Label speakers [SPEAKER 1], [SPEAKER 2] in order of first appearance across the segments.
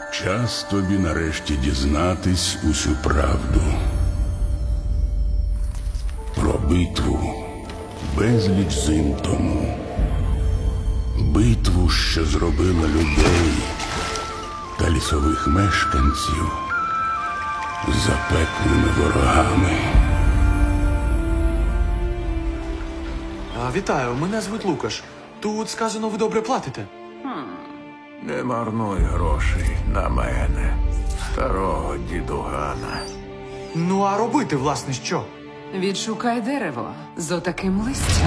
[SPEAKER 1] Час тобі нарешті дізнатись усю правду. Про битву безліч зим тому. Битву, що зробила людей та лісових мешканців запеклими ворогами.
[SPEAKER 2] Вітаю, мене звуть Лукаш. Тут сказано, ви добре платите.
[SPEAKER 3] Не марнуй грошей на мене, старого дідугана.
[SPEAKER 2] Ну, а робити, власне, що?
[SPEAKER 4] Відшукай дерево з отаким листям.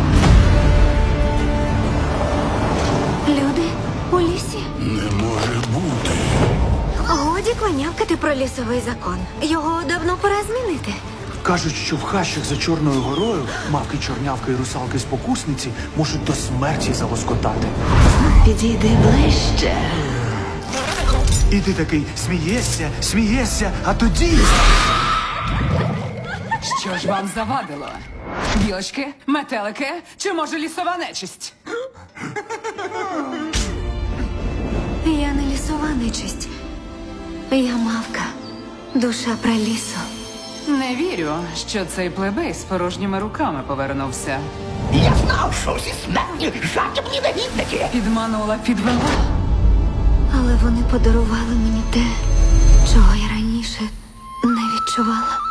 [SPEAKER 5] Люди у лісі.
[SPEAKER 1] Не може бути.
[SPEAKER 5] Годі кланявкати про лісовий закон. Його давно пора змінити.
[SPEAKER 2] Кажуть, що в хащах за Чорною горою мавки, чорнявки і русалки-спокусниці можуть до смерті залоскотати.
[SPEAKER 5] Підійди ближче.
[SPEAKER 2] І ти такий смієшся, а тоді...
[SPEAKER 4] Що ж вам завадило? Білочки, метелики чи, може, лісова нечисть?
[SPEAKER 5] Я не лісова нечисть. Я мавка. Душа пралісу.
[SPEAKER 4] Не вірю, що цей плебей з порожніми руками повернувся.
[SPEAKER 6] Я знав, що всі смертні жадібні негідники.
[SPEAKER 4] Підвела.
[SPEAKER 5] Але вони подарували мені те, чого я раніше не відчувала.